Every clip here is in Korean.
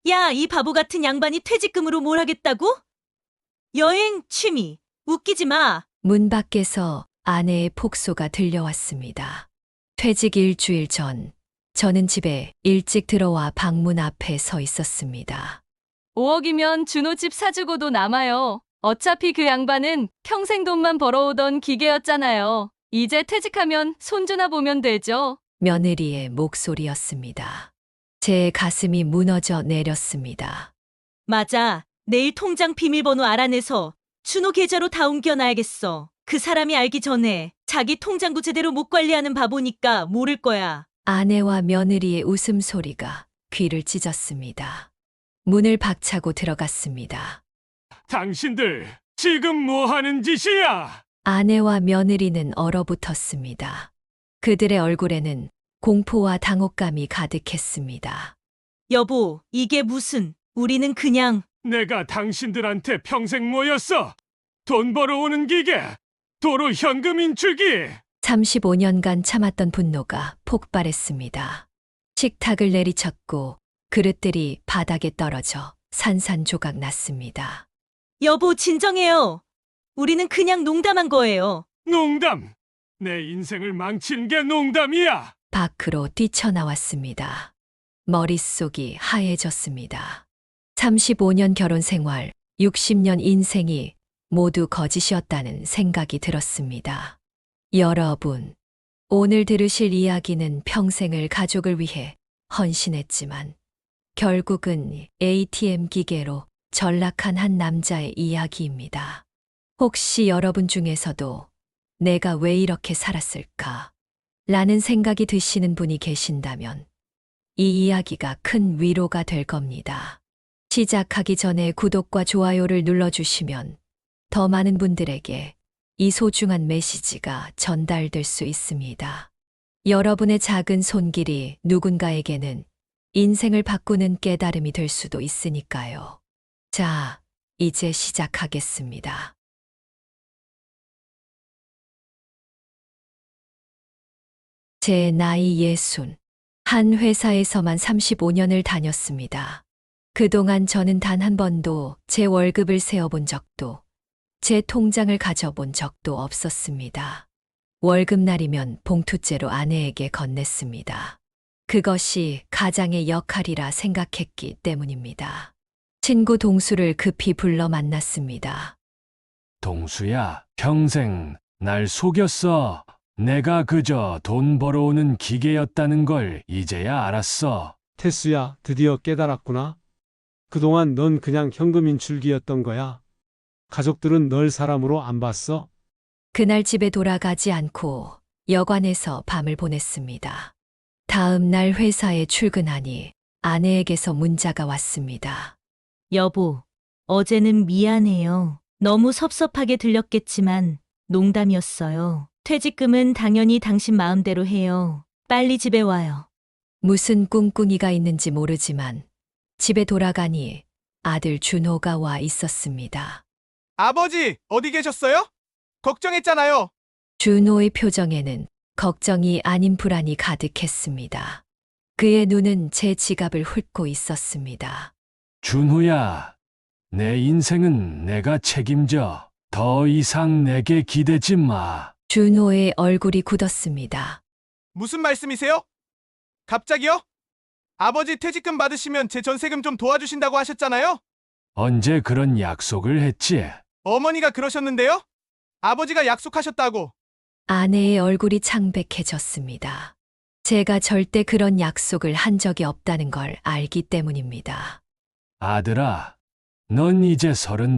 야, 이 바보 같은 양반이 퇴직금으로 뭘 하겠다고? 여행, 취미. 웃기지 마. 문 밖에서 아내의 폭소가 들려왔습니다. 퇴직 일주일 전, 저는 집에 일찍 들어와 방문 앞에 서 있었습니다. 5억이면 준호 집 사주고도 남아요. 어차피 그 양반은 평생 돈만 벌어오던 기계였잖아요. 이제 퇴직하면 손주나 보면 되죠. 며느리의 목소리였습니다. 제 가슴이 무너져 내렸습니다. 맞아. 내일 통장 비밀번호 알아내서 준호 계좌로 다 옮겨놔야겠어. 그 사람이 알기 전에 자기 통장도 제대로 못 관리하는 바보니까 모를 거야. 아내와 며느리의 웃음소리가 귀를 찢었습니다. 문을 박차고 들어갔습니다. 당신들 지금 뭐 하는 짓이야? 아내와 며느리는 얼어붙었습니다. 그들의 얼굴에는 공포와 당혹감이 가득했습니다. 여보, 이게 무슨, 우리는 그냥, 내가 당신들한테 평생 모였어. 돈 벌어오는 기계, 도로 현금 인출기. 35년간 참았던 분노가 폭발했습니다. 식탁을 내리쳤고 그릇들이 바닥에 떨어져 산산조각 났습니다. 여보, 진정해요. 우리는 그냥 농담한 거예요. 농담. 내 인생을 망친 게 농담이야. 밖으로 뛰쳐나왔습니다. 머릿속이 하얘졌습니다. 35년 결혼 생활, 60년 인생이 모두 거짓이었다는 생각이 들었습니다. 여러분, 오늘 들으실 이야기는 평생을 가족을 위해 헌신했지만 결국은 ATM 기계로 전락한 한 남자의 이야기입니다. 혹시 여러분 중에서도 내가 왜 이렇게 살았을까? 라는 생각이 드시는 분이 계신다면 이 이야기가 큰 위로가 될 겁니다. 시작하기 전에 구독과 좋아요를 눌러주시면 더 많은 분들에게 이 소중한 메시지가 전달될 수 있습니다. 여러분의 작은 손길이 누군가에게는 인생을 바꾸는 깨달음이 될 수도 있으니까요. 자, 이제 시작하겠습니다. 제 나이 60. 한 회사에서만 35년을 다녔습니다. 그동안 저는 단 한 번도 제 월급을 세어본 적도, 제 통장을 가져본 적도 없었습니다. 월급날이면 봉투째로 아내에게 건넸습니다. 그것이 가장의 역할이라 생각했기 때문입니다. 친구 동수를 급히 불러 만났습니다. 동수야, 평생 날 속였어. 내가 그저 돈 벌어오는 기계였다는 걸 이제야 알았어. 태수야, 드디어 깨달았구나. 그동안 넌 그냥 현금 인출기였던 거야. 가족들은 널 사람으로 안 봤어. 그날 집에 돌아가지 않고 여관에서 밤을 보냈습니다. 다음 날 회사에 출근하니 아내에게서 문자가 왔습니다. 여보, 어제는 미안해요. 너무 섭섭하게 들렸겠지만 농담이었어요. 퇴직금은 당연히 당신 마음대로 해요. 빨리 집에 와요. 무슨 꿍꿍이가 있는지 모르지만 집에 돌아가니 아들 준호가 와 있었습니다. 아버지, 어디 계셨어요? 걱정했잖아요. 준호의 표정에는 걱정이 아닌 불안이 가득했습니다. 그의 눈은 제 지갑을 훑고 있었습니다. 준호야, 내 인생은 내가 책임져. 더 이상 내게 기대지 마. 준호의 얼굴이 굳었습니다. 무슨 말씀이세요? 갑자기요? 아버지 퇴직금 받으시면 제 전세금 좀 도와주신다고 하셨잖아요? 언제 그런 약속을 했지? 어머니가 그러셨는데요? 아버지가 약속하셨다고. 아내의 얼굴이 창백해졌습니다. 제가 절대 그런 약속을 한 적이 없다는 걸 알기 때문입니다. 아들아, 넌 이제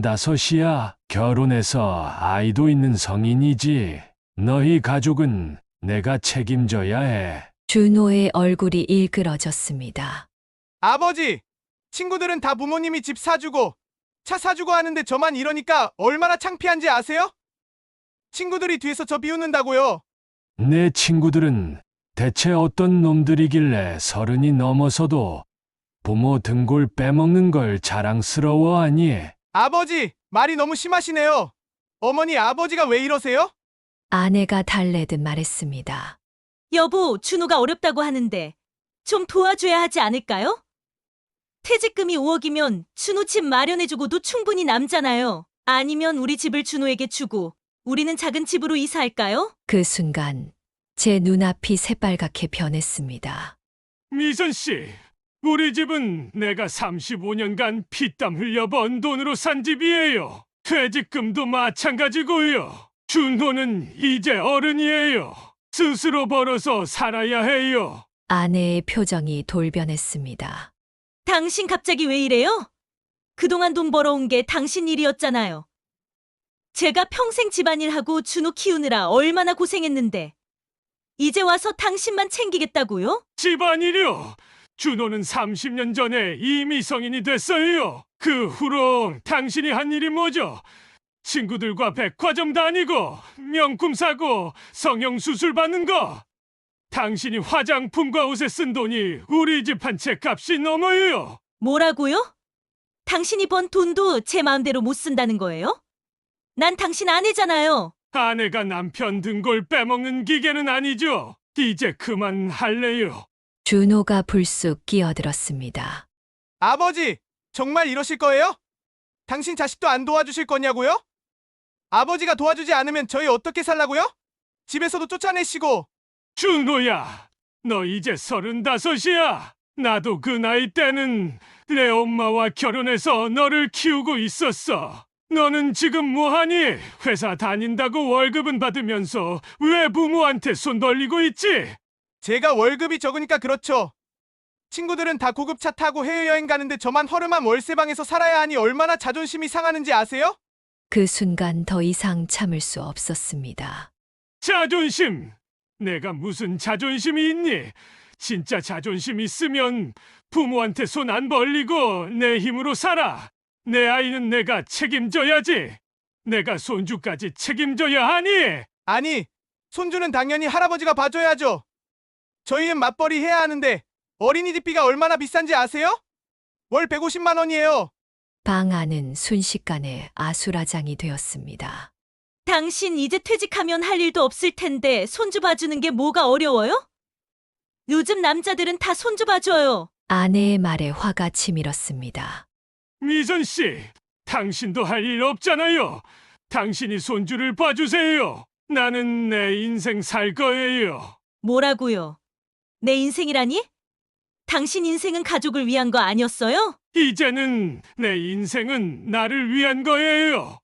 35이야. 결혼해서 아이도 있는 성인이지. 너희 가족은 내가 책임져야 해. 준호의 얼굴이 일그러졌습니다. 아버지, 친구들은 다 부모님이 집 사주고 차 사주고 하는데 저만 이러니까 얼마나 창피한지 아세요? 친구들이 뒤에서 저 비웃는다고요. 내 친구들은 대체 어떤 놈들이길래 30이 넘어서도 부모 등골 빼먹는 걸 자랑스러워하니? 아버지, 말이 너무 심하시네요. 어머니, 아버지가 왜 이러세요? 아내가 달래듯 말했습니다. 여보, 준호가 어렵다고 하는데 좀 도와줘야 하지 않을까요? 퇴직금이 5억이면 준호 집 마련해주고도 충분히 남잖아요. 아니면 우리 집을 준호에게 주고 우리는 작은 집으로 이사할까요? 그 순간 제 눈앞이 새빨갛게 변했습니다. 미선 씨, 우리 집은 내가 35년간 피땀 흘려 번 돈으로 산 집이에요. 퇴직금도 마찬가지고요. 준호는 이제 어른이에요. 스스로 벌어서 살아야 해요. 아내의 표정이 돌변했습니다. 당신 갑자기 왜 이래요? 그동안 돈 벌어온 게 당신 일이었잖아요. 제가 평생 집안일하고 준호 키우느라 얼마나 고생했는데 이제 와서 당신만 챙기겠다고요? 집안일이요. 준호는 30년 전에 이미 성인이 됐어요. 그 후로 당신이 한 일이 뭐죠? 친구들과 백화점 다니고 명품 사고 성형수술 받는 거. 당신이 화장품과 옷에 쓴 돈이 우리 집 한 채 값이 넘어요. 뭐라고요? 당신이 번 돈도 제 마음대로 못 쓴다는 거예요? 난 당신 아내잖아요. 아내가 남편 등골 빼먹는 기계는 아니죠. 이제 그만할래요. 준호가 불쑥 끼어들었습니다. 아버지, 정말 이러실 거예요? 당신 자식도 안 도와주실 거냐고요? 아버지가 도와주지 않으면 저희 어떻게 살라고요? 집에서도 쫓아내시고. 준호야, 너 이제 35이야. 나도 그 나이 때는 내 엄마와 결혼해서 너를 키우고 있었어. 너는 지금 뭐하니? 회사 다닌다고 월급은 받으면서 왜 부모한테 손 벌리고 있지? 제가 월급이 적으니까 그렇죠. 친구들은 다 고급차 타고 해외여행 가는데 저만 허름한 월세방에서 살아야 하니 얼마나 자존심이 상하는지 아세요? 그 순간 더 이상 참을 수 없었습니다. 자존심! 내가 무슨 자존심이 있니? 진짜 자존심 있으면 부모한테 손 안 벌리고 내 힘으로 살아. 내 아이는 내가 책임져야지. 내가 손주까지 책임져야 하니. 아니, 손주는 당연히 할아버지가 봐줘야죠. 저희는 맞벌이 해야 하는데 어린이집비가 얼마나 비싼지 아세요? 월 150만 원이에요. 방 안은 순식간에 아수라장이 되었습니다. 당신 이제 퇴직하면 할 일도 없을 텐데 손주 봐주는 게 뭐가 어려워요? 요즘 남자들은 다 손주 봐줘요. 아내의 말에 화가 치밀었습니다. 미선 씨, 당신도 할 일 없잖아요. 당신이 손주를 봐주세요. 나는 내 인생 살 거예요. 뭐라고요? 내 인생이라니? 당신 인생은 가족을 위한 거 아니었어요? 이제는 내 인생은 나를 위한 거예요.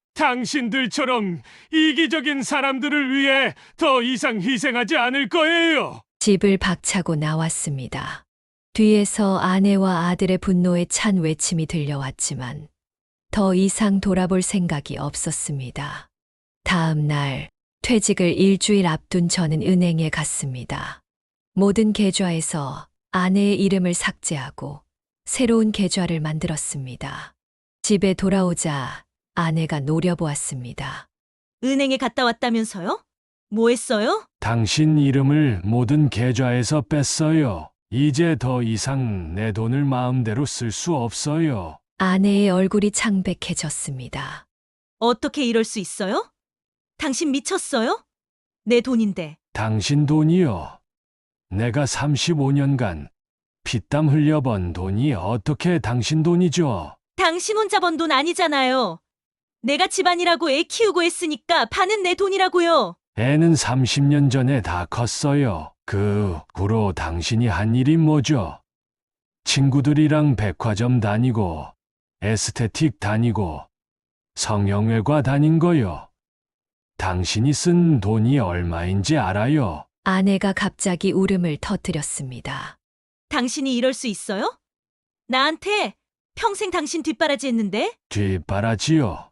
당신들처럼 이기적인 사람들을 위해 더 이상 희생하지 않을 거예요. 집을 박차고 나왔습니다. 뒤에서 아내와 아들의 분노에 찬 외침이 들려왔지만 더 이상 돌아볼 생각이 없었습니다. 다음 날 퇴직을 일주일 앞둔 저는 은행에 갔습니다. 모든 계좌에서 아내의 이름을 삭제하고 새로운 계좌를 만들었습니다. 집에 돌아오자 아내가 노려보았습니다. 은행에 갔다 왔다면서요? 뭐 했어요? 당신 이름을 모든 계좌에서 뺐어요. 이제 더 이상 내 돈을 마음대로 쓸 수 없어요. 아내의 얼굴이 창백해졌습니다. 어떻게 이럴 수 있어요? 당신 미쳤어요? 내 돈인데. 당신 돈이요. 내가 35년간 피땀 흘려 번 돈이 어떻게 당신 돈이죠? 당신 혼자 번 돈 아니잖아요. 내가 집안이라고 애 키우고 했으니까 반은 내 돈이라고요. 애는 30년 전에 다 컸어요. 그 후로 당신이 한 일이 뭐죠? 친구들이랑 백화점 다니고 에스테틱 다니고 성형외과 다닌 거요. 당신이 쓴 돈이 얼마인지 알아요? 아내가 갑자기 울음을 터뜨렸습니다. 당신이 이럴 수 있어요? 나한테 평생 당신 뒷바라지 했는데? 뒷바라지요.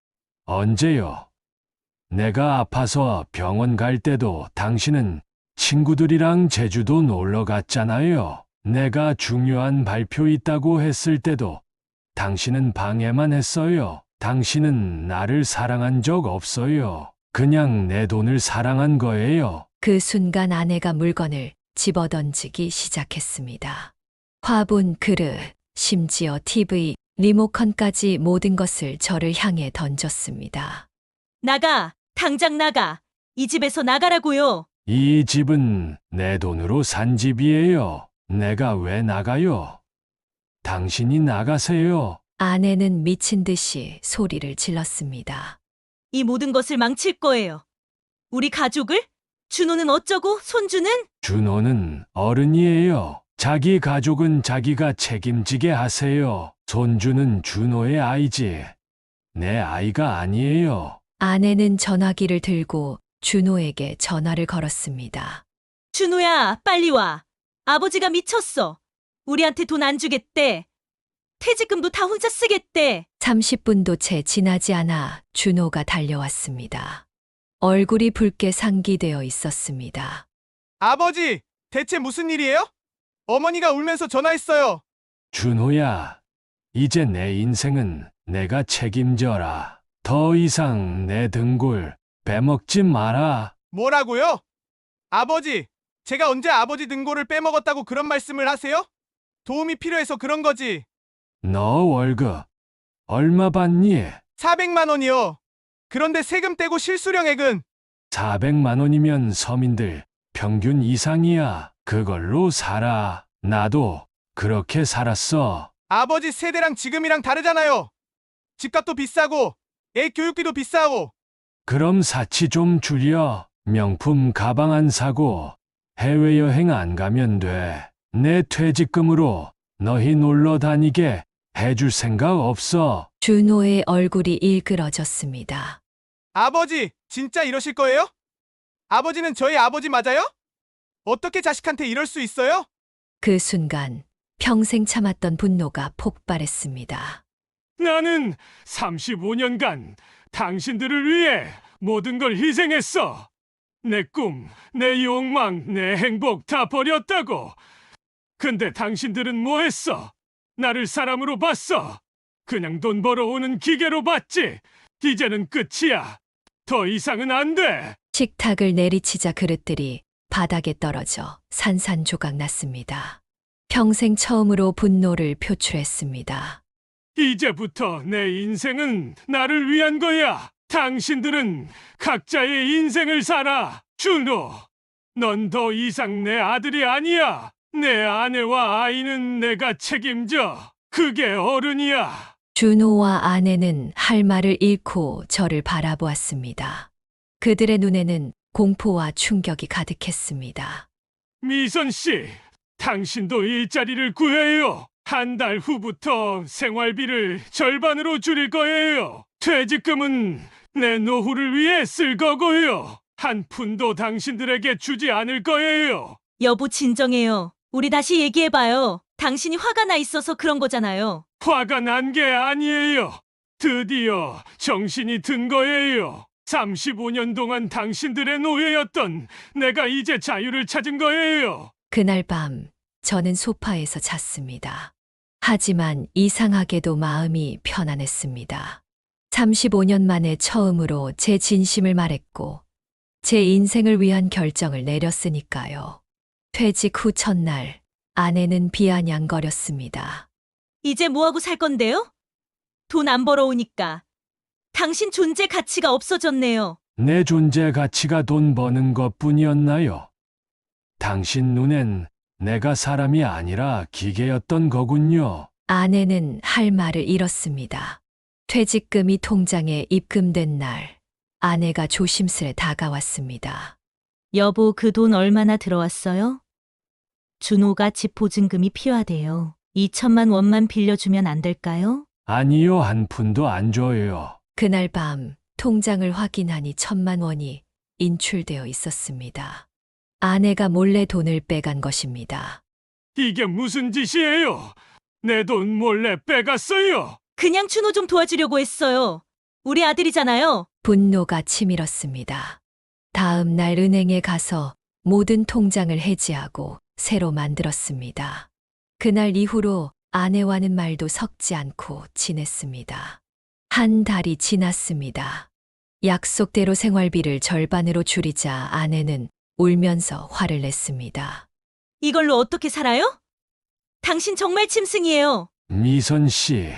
언제요? 내가 아파서 병원 갈 때도 당신은 친구들이랑 제주도 놀러 갔잖아요. 내가 중요한 발표 있다고 했을 때도 당신은 방해만 했어요. 당신은 나를 사랑한 적 없어요. 그냥 내 돈을 사랑한 거예요. 그 순간 아내가 물건을 집어던지기 시작했습니다. 화분, 그릇, 심지어 TV, 리모컨까지 모든 것을 저를 향해 던졌습니다. 나가! 당장 나가! 이 집에서 나가라고요! 이 집은 내 돈으로 산 집이에요. 내가 왜 나가요? 당신이 나가세요. 아내는 미친 듯이 소리를 질렀습니다. 이 모든 것을 망칠 거예요. 우리 가족을? 준호는 어쩌고 손주는? 준호는 어른이에요. 자기 가족은 자기가 책임지게 하세요. 손주는 준호의 아이지. 내 아이가 아니에요. 아내는 전화기를 들고 준호에게 전화를 걸었습니다. 준호야, 빨리 와. 아버지가 미쳤어. 우리한테 돈 안 주겠대. 퇴직금도 다 혼자 쓰겠대. 30분도 채 지나지 않아 준호가 달려왔습니다. 얼굴이 붉게 상기되어 있었습니다. 아버지, 대체 무슨 일이에요? 어머니가 울면서 전화했어요. 준호야, 이제 내 인생은 내가 책임져라. 더 이상 내 등골 빼먹지 마라. 뭐라고요? 아버지, 제가 언제 아버지 등골을 빼먹었다고 그런 말씀을 하세요? 도움이 필요해서 그런 거지. 너 월급 얼마 받니? 400만 원이요. 그런데 세금 떼고 실수령액은 400만 원이면 서민들 평균 이상이야. 그걸로 살아. 나도 그렇게 살았어. 아버지 세대랑 지금이랑 다르잖아요. 집값도 비싸고 애 교육비도 비싸고. 그럼 사치 좀 줄여. 명품 가방 안 사고 해외여행 안 가면 돼. 내 퇴직금으로 너희 놀러 다니게 해줄 생각 없어. 준호의 얼굴이 일그러졌습니다. 아버지, 진짜 이러실 거예요? 아버지는 저희 아버지 맞아요? 어떻게 자식한테 이럴 수 있어요? 그 순간 평생 참았던 분노가 폭발했습니다. 나는 35년간 당신들을 위해 모든 걸 희생했어. 내 꿈, 내 욕망, 내 행복 다 버렸다고. 근데 당신들은 뭐 했어? 나를 사람으로 봤어. 그냥 돈 벌어오는 기계로 봤지. 이제는 끝이야. 더 이상은 안 돼. 식탁을 내리치자 그릇들이 바닥에 떨어져 산산조각 났습니다. 평생 처음으로 분노를 표출했습니다. 이제부터 내 인생은 나를 위한 거야. 당신들은 각자의 인생을 살아. 준호, 넌 더 이상 내 아들이 아니야. 내 아내와 아이는 내가 책임져. 그게 어른이야. 준호와 아내는 할 말을 잃고 저를 바라보았습니다. 그들의 눈에는 공포와 충격이 가득했습니다. 미선 씨, 당신도 일자리를 구해요. 한 달 후부터 생활비를 절반으로 줄일 거예요. 퇴직금은 내 노후를 위해 쓸 거고요. 한 푼도 당신들에게 주지 않을 거예요. 여보, 진정해요. 우리 다시 얘기해봐요. 당신이 화가 나 있어서 그런 거잖아요. 화가 난 게 아니에요. 드디어 정신이 든 거예요. 35년 동안 당신들의 노예였던 내가 이제 자유를 찾은 거예요. 그날 밤 저는 소파에서 잤습니다. 하지만 이상하게도 마음이 편안했습니다. 35년 만에 처음으로 제 진심을 말했고 제 인생을 위한 결정을 내렸으니까요. 퇴직 후 첫날 아내는 비아냥거렸습니다. 이제 뭐하고 살 건데요? 돈 안 벌어오니까. 당신 존재 가치가 없어졌네요. 내 존재 가치가 돈 버는 것뿐이었나요? 당신 눈엔 내가 사람이 아니라 기계였던 거군요. 아내는 할 말을 잃었습니다. 퇴직금이 통장에 입금된 날 아내가 조심스레 다가왔습니다. 여보, 그 돈 얼마나 들어왔어요? 준호가 집 보증금이 필요하대요. 2천만 원만 빌려주면 안 될까요? 아니요, 한 푼도 안 줘요. 그날 밤 통장을 확인하니 1,000만 원이 인출되어 있었습니다. 아내가 몰래 돈을 빼간 것입니다. 이게 무슨 짓이에요? 내 돈 몰래 빼갔어요. 그냥 준호 좀 도와주려고 했어요. 우리 아들이잖아요. 분노가 치밀었습니다. 다음 날 은행에 가서 모든 통장을 해지하고 새로 만들었습니다. 그날 이후로 아내와는 말도 섞지 않고 지냈습니다. 한 달이 지났습니다. 약속대로 생활비를 절반으로 줄이자 아내는 울면서 화를 냈습니다. 이걸로 어떻게 살아요? 당신 정말 짐승이에요. 미선 씨,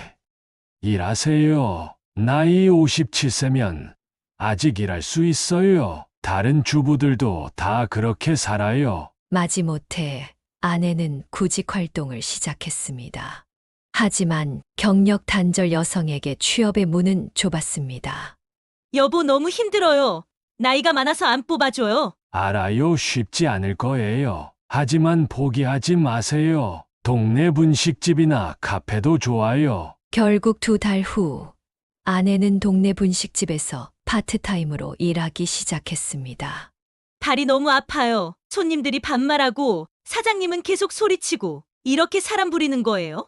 일하세요. 나이 57세면 아직 일할 수 있어요. 다른 주부들도 다 그렇게 살아요. 마지못해 아내는 구직 활동을 시작했습니다. 하지만 경력 단절 여성에게 취업의 문은 좁았습니다. 여보, 너무 힘들어요. 나이가 많아서 안 뽑아줘요. 알아요. 쉽지 않을 거예요. 하지만 포기하지 마세요. 동네 분식집이나 카페도 좋아요. 결국 2달 후 아내는 동네 분식집에서 파트타임으로 일하기 시작했습니다. 다리 너무 아파요. 손님들이 반말하고 사장님은 계속 소리치고 이렇게 사람 부리는 거예요?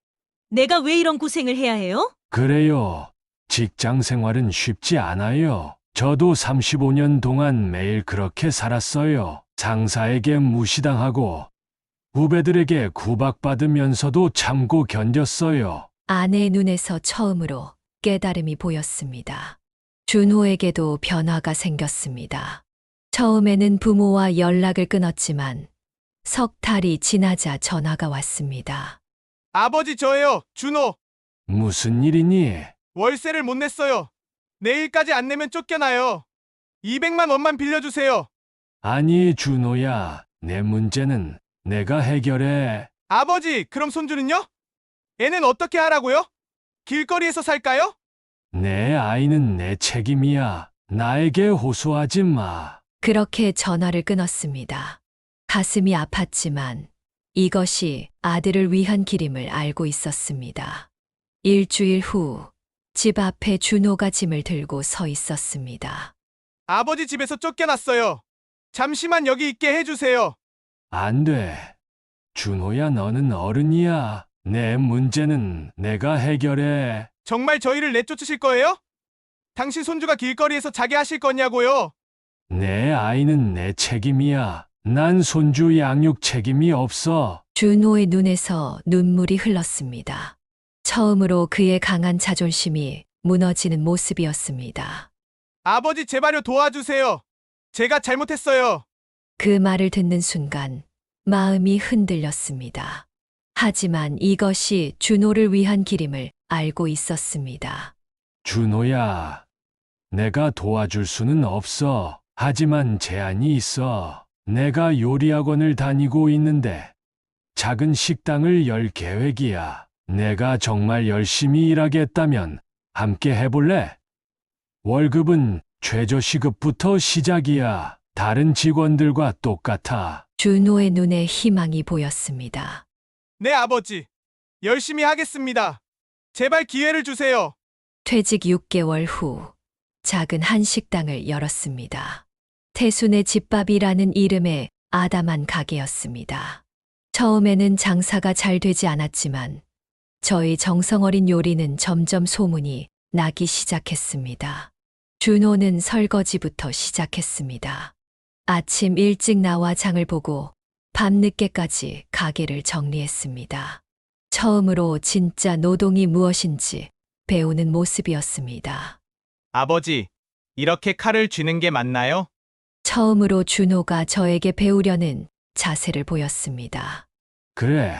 내가 왜 이런 고생을 해야 해요? 그래요. 직장 생활은 쉽지 않아요. 저도 35년 동안 매일 그렇게 살았어요. 상사에게 무시당하고 후배들에게 구박받으면서도 참고 견뎠어요. 아내의 눈에서 처음으로 깨달음이 보였습니다. 준호에게도 변화가 생겼습니다. 처음에는 부모와 연락을 끊었지만 석 달이 지나자 전화가 왔습니다. 아버지 저예요. 준호. 무슨 일이니? 월세를 못 냈어요. 내일까지 안 내면 쫓겨나요. 200만 원만 빌려주세요. 아니, 준호야. 내 문제는 내가 해결해. 아버지, 그럼 손주는요? 애는 어떻게 하라고요? 길거리에서 살까요? 내 아이는 내 책임이야. 나에게 호소하지 마. 그렇게 전화를 끊었습니다. 가슴이 아팠지만 이것이 아들을 위한 길임을 알고 있었습니다. 일주일 후 집 앞에 준호가 짐을 들고 서 있었습니다. 아버지 집에서 쫓겨났어요. 잠시만 여기 있게 해주세요. 안 돼. 준호야, 너는 어른이야. 내 문제는 내가 해결해. 정말 저희를 내쫓으실 거예요? 당신 손주가 길거리에서 자게 하실 거냐고요? 내 아이는 내 책임이야. 난 손주 양육 책임이 없어. 준호의 눈에서 눈물이 흘렀습니다. 처음으로 그의 강한 자존심이 무너지는 모습이었습니다. 아버지 제발요 도와주세요. 제가 잘못했어요. 그 말을 듣는 순간 마음이 흔들렸습니다. 하지만 이것이 준호를 위한 길임을 알고 있었습니다. 준호야, 내가 도와줄 수는 없어. 하지만 제한이 있어. 내가 요리학원을 다니고 있는데 작은 식당을 열 계획이야. 내가 정말 열심히 일하겠다면 함께 해볼래? 월급은 최저시급부터 시작이야. 다른 직원들과 똑같아. 준호의 눈에 희망이 보였습니다. 네 아버지. 열심히 하겠습니다. 제발 기회를 주세요. 퇴직 6개월 후 작은 한식당을 열었습니다. 태순의 집밥이라는 이름의 아담한 가게였습니다. 처음에는 장사가 잘 되지 않았지만 저희 정성어린 요리는 점점 소문이 나기 시작했습니다. 준호는 설거지부터 시작했습니다. 아침 일찍 나와 장을 보고 밤늦게까지 가게를 정리했습니다. 처음으로 진짜 노동이 무엇인지 배우는 모습이었습니다. 아버지, 이렇게 칼을 쥐는 게 맞나요? 처음으로 준호가 저에게 배우려는 자세를 보였습니다. 그래.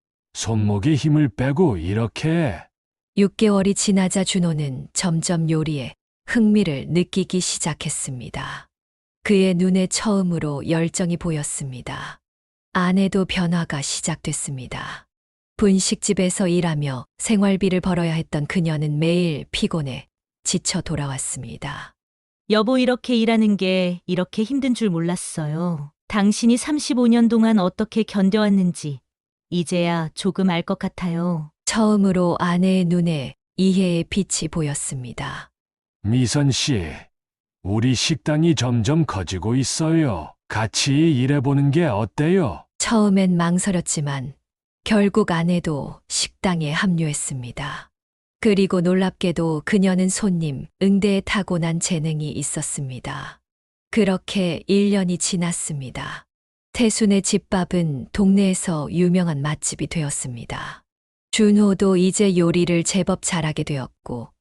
손목에 힘을 빼고 이렇게 해. 6개월이 지나자 준호는 점점 요리에 흥미를 느끼기 시작했습니다. 그의 눈에 처음으로 열정이 보였습니다. 아내도 변화가 시작됐습니다. 분식집에서 일하며 생활비를 벌어야 했던 그녀는 매일 피곤해 지쳐 돌아왔습니다. 여보, 이렇게 일하는 게 이렇게 힘든 줄 몰랐어요. 당신이 35년 동안 어떻게 견뎌왔는지 이제야 조금 알 것 같아요. 처음으로 아내의 눈에 이해의 빛이 보였습니다. 미선 씨, 우리 식당이 점점 커지고 있어요. 같이 일해보는 게 어때요? 처음엔 망설였지만 결국 아내도 식당에 합류했습니다. 그리고 놀랍게도 그녀는 손님 응대에 타고난 재능이 있었습니다. 그렇게 1년이 지났습니다. 태순의 집밥은 동네에서 유명한 맛집이 되었습니다. 준호도 이제 요리를 제법 잘하게 되었고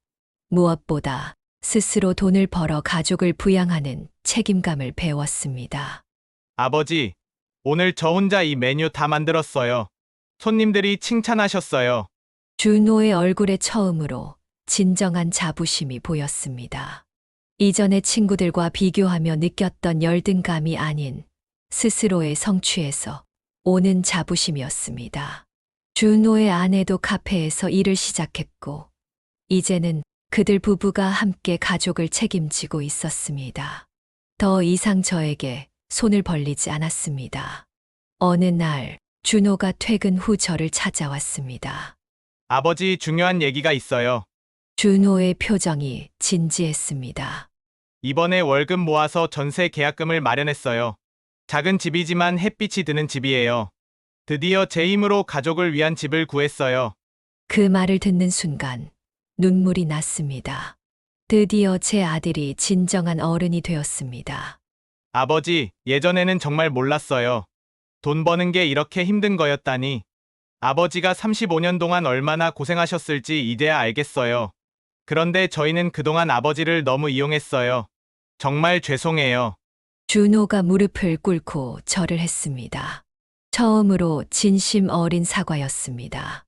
무엇보다 스스로 돈을 벌어 가족을 부양하는 책임감을 배웠습니다. 아버지, 오늘 저 혼자 이 메뉴 다 만들었어요. 손님들이 칭찬하셨어요. 준호의 얼굴에 처음으로 진정한 자부심이 보였습니다. 이전의 친구들과 비교하며 느꼈던 열등감이 아닌 스스로의 성취에서 오는 자부심이었습니다. 준호의 아내도 카페에서 일을 시작했고, 이제는 그들 부부가 함께 가족을 책임지고 있었습니다. 더 이상 저에게 손을 벌리지 않았습니다. 어느 날, 준호가 퇴근 후 저를 찾아왔습니다. 아버지, 중요한 얘기가 있어요. 준호의 표정이 진지했습니다. 이번에 월급 모아서 전세 계약금을 마련했어요. 작은 집이지만 햇빛이 드는 집이에요. 드디어 제 힘으로 가족을 위한 집을 구했어요. 그 말을 듣는 순간 눈물이 났습니다. 드디어 제 아들이 진정한 어른이 되었습니다. 아버지, 예전에는 정말 몰랐어요. 돈 버는 게 이렇게 힘든 거였다니. 아버지가 35년 동안 얼마나 고생하셨을지 이제야 알겠어요. 그런데 저희는 그동안 아버지를 너무 이용했어요. 정말 죄송해요. 준호가 무릎을 꿇고 절을 했습니다. 처음으로 진심 어린 사과였습니다.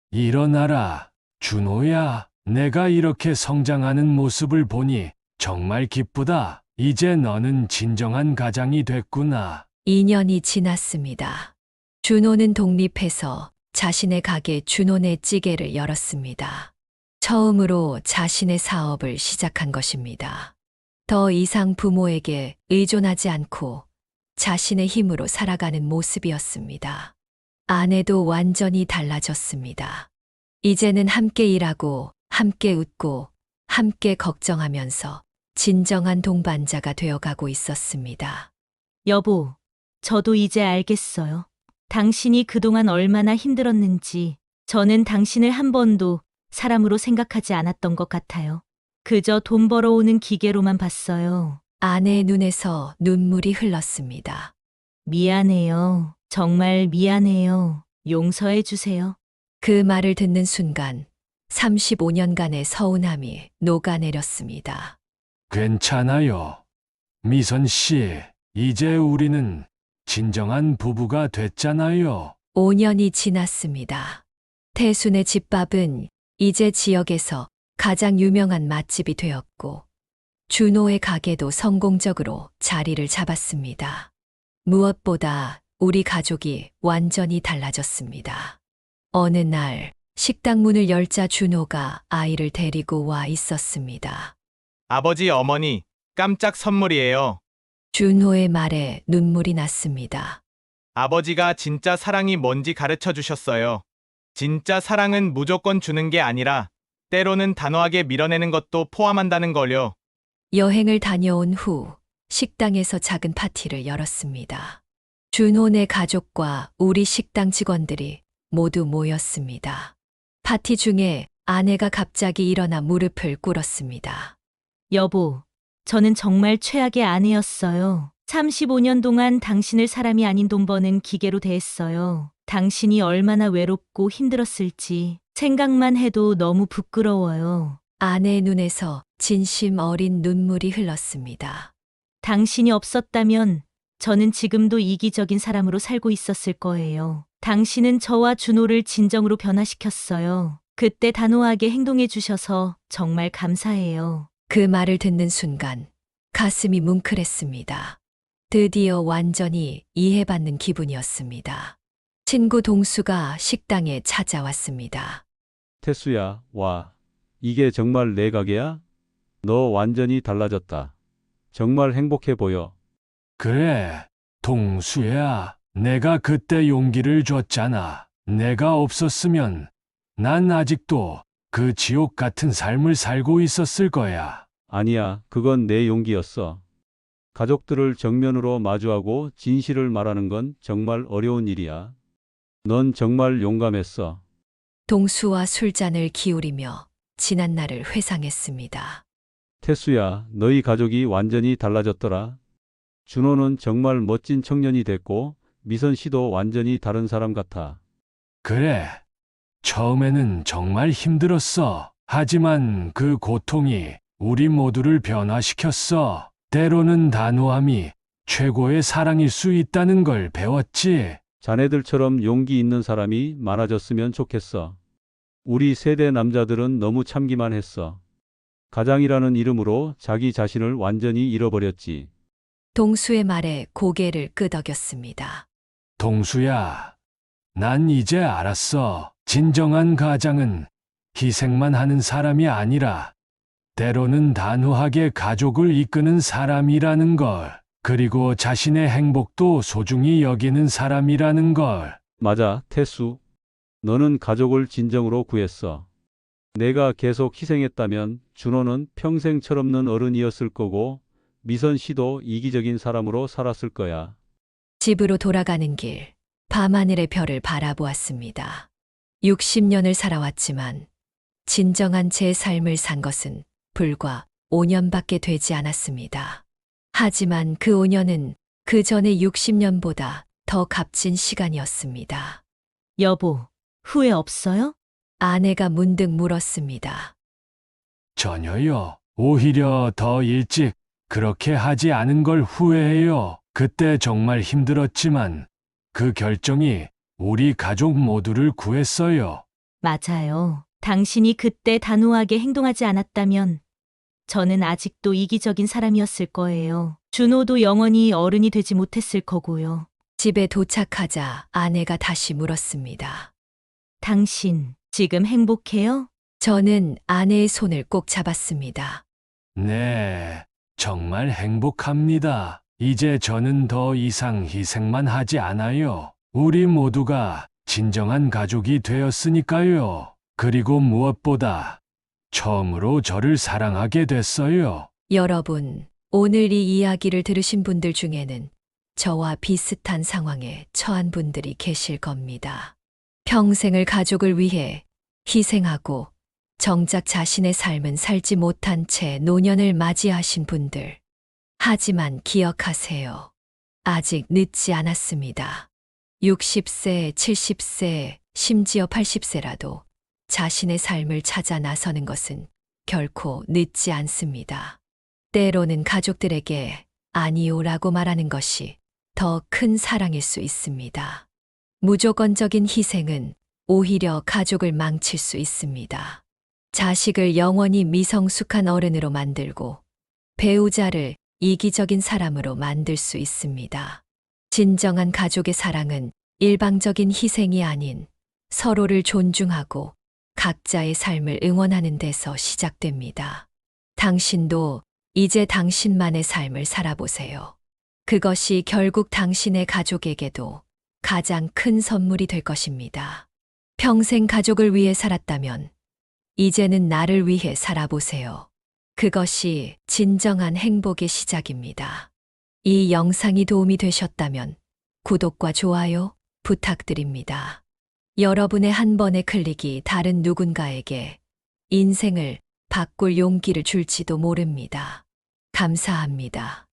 일어나라, 준호야. 내가 이렇게 성장하는 모습을 보니 정말 기쁘다. 이제 너는 진정한 가장이 됐구나. 2년이 지났습니다. 준호는 독립해서 자신의 가게 준호네 찌개를 열었습니다. 처음으로 자신의 사업을 시작한 것입니다. 더 이상 부모에게 의존하지 않고 자신의 힘으로 살아가는 모습이었습니다. 아내도 완전히 달라졌습니다. 이제는 함께 일하고, 함께 웃고, 함께 걱정하면서 진정한 동반자가 되어가고 있었습니다. 여보, 저도 이제 알겠어요. 당신이 그동안 얼마나 힘들었는지 저는 당신을 한 번도 사람으로 생각하지 않았던 것 같아요. 그저 돈 벌어오는 기계로만 봤어요. 아내의 눈에서 눈물이 흘렀습니다. 미안해요. 정말 미안해요. 용서해 주세요. 그 말을 듣는 순간 35년간의 서운함이 녹아내렸습니다. 괜찮아요. 미선 씨, 이제 우리는 진정한 부부가 됐잖아요. 5년이 지났습니다. 태순의 집밥은 이제 지역에서 가장 유명한 맛집이 되었고, 준호의 가게도 성공적으로 자리를 잡았습니다. 무엇보다 우리 가족이 완전히 달라졌습니다. 어느 날 식당 문을 열자 준호가 아이를 데리고 와 있었습니다. 아버지, 어머니, 깜짝 선물이에요. 준호의 말에 눈물이 났습니다. 아버지가 진짜 사랑이 뭔지 가르쳐 주셨어요. 진짜 사랑은 무조건 주는 게 아니라 때로는 단호하게 밀어내는 것도 포함한다는 걸요. 여행을 다녀온 후 식당에서 작은 파티를 열었습니다. 준호네 가족과 우리 식당 직원들이 모두 모였습니다. 파티 중에 아내가 갑자기 일어나 무릎을 꿇었습니다. 여보, 저는 정말 최악의 아내였어요. 35년 동안 당신을 사람이 아닌 돈 버는 기계로 대했어요. 당신이 얼마나 외롭고 힘들었을지 생각만 해도 너무 부끄러워요. 아내의 눈에서 진심 어린 눈물이 흘렀습니다. 당신이 없었다면 저는 지금도 이기적인 사람으로 살고 있었을 거예요. 당신은 저와 준호를 진정으로 변화시켰어요. 그때 단호하게 행동해 주셔서 정말 감사해요. 그 말을 듣는 순간 가슴이 뭉클했습니다. 드디어 완전히 이해받는 기분이었습니다. 친구 동수가 식당에 찾아왔습니다. 태수야, 와. 이게 정말 내 가게야? 너 완전히 달라졌다. 정말 행복해 보여. 그래, 동수야. 내가 그때 용기를 줬잖아. 내가 없었으면 난 아직도 그 지옥 같은 삶을 살고 있었을 거야. 아니야, 그건 내 용기였어. 가족들을 정면으로 마주하고 진실을 말하는 건 정말 어려운 일이야. 넌 정말 용감했어. 동수와 술잔을 기울이며 지난 날을 회상했습니다. 태수야, 너희 가족이 완전히 달라졌더라. 준호는 정말 멋진 청년이 됐고, 미선 씨도 완전히 다른 사람 같아. 그래. 처음에는 정말 힘들었어. 하지만 그 고통이 우리 모두를 변화시켰어. 때로는 단호함이 최고의 사랑일 수 있다는 걸 배웠지. 자네들처럼 용기 있는 사람이 많아졌으면 좋겠어. 우리 세대 남자들은 너무 참기만 했어. 가장이라는 이름으로 자기 자신을 완전히 잃어버렸지. 동수의 말에 고개를 끄덕였습니다. 동수야, 난 이제 알았어. 진정한 가장은 희생만 하는 사람이 아니라 때로는 단호하게 가족을 이끄는 사람이라는 걸. 그리고 자신의 행복도 소중히 여기는 사람이라는 걸. 맞아, 태수. 너는 가족을 진정으로 구했어. 내가 계속 희생했다면 준호는 평생 철없는 어른이었을 거고 미선 씨도 이기적인 사람으로 살았을 거야. 집으로 돌아가는 길, 밤하늘의 별을 바라보았습니다. 60년을 살아왔지만 진정한 제 삶을 산 것은 불과 5년밖에 되지 않았습니다. 하지만 그 5년은 그 전의 60년보다 더 값진 시간이었습니다. 여보, 후회 없어요? 아내가 문득 물었습니다. 전혀요. 오히려 더 일찍 그렇게 하지 않은 걸 후회해요. 그때 정말 힘들었지만 그 결정이 우리 가족 모두를 구했어요. 맞아요. 당신이 그때 단호하게 행동하지 않았다면 저는 아직도 이기적인 사람이었을 거예요. 준호도 영원히 어른이 되지 못했을 거고요. 집에 도착하자 아내가 다시 물었습니다. 당신 지금 행복해요? 저는 아내의 손을 꼭 잡았습니다. 네, 정말 행복합니다. 이제 저는 더 이상 희생만 하지 않아요. 우리 모두가 진정한 가족이 되었으니까요. 그리고 무엇보다 처음으로 저를 사랑하게 됐어요. 여러분, 오늘 이 이야기를 들으신 분들 중에는 저와 비슷한 상황에 처한 분들이 계실 겁니다. 평생을 가족을 위해 희생하고 정작 자신의 삶은 살지 못한 채 노년을 맞이하신 분들. 하지만 기억하세요. 아직 늦지 않았습니다. 60세, 70세, 심지어 80세라도 자신의 삶을 찾아 나서는 것은 결코 늦지 않습니다. 때로는 가족들에게 아니오라고 말하는 것이 더 큰 사랑일 수 있습니다. 무조건적인 희생은 오히려 가족을 망칠 수 있습니다. 자식을 영원히 미성숙한 어른으로 만들고 배우자를 이기적인 사람으로 만들 수 있습니다. 진정한 가족의 사랑은 일방적인 희생이 아닌 서로를 존중하고 각자의 삶을 응원하는 데서 시작됩니다. 당신도 이제 당신만의 삶을 살아보세요. 그것이 결국 당신의 가족에게도 가장 큰 선물이 될 것입니다. 평생 가족을 위해 살았다면 이제는 나를 위해 살아보세요. 그것이 진정한 행복의 시작입니다. 이 영상이 도움이 되셨다면 구독과 좋아요 부탁드립니다. 여러분의 한 번의 클릭이 다른 누군가에게 인생을 바꿀 용기를 줄지도 모릅니다. 감사합니다.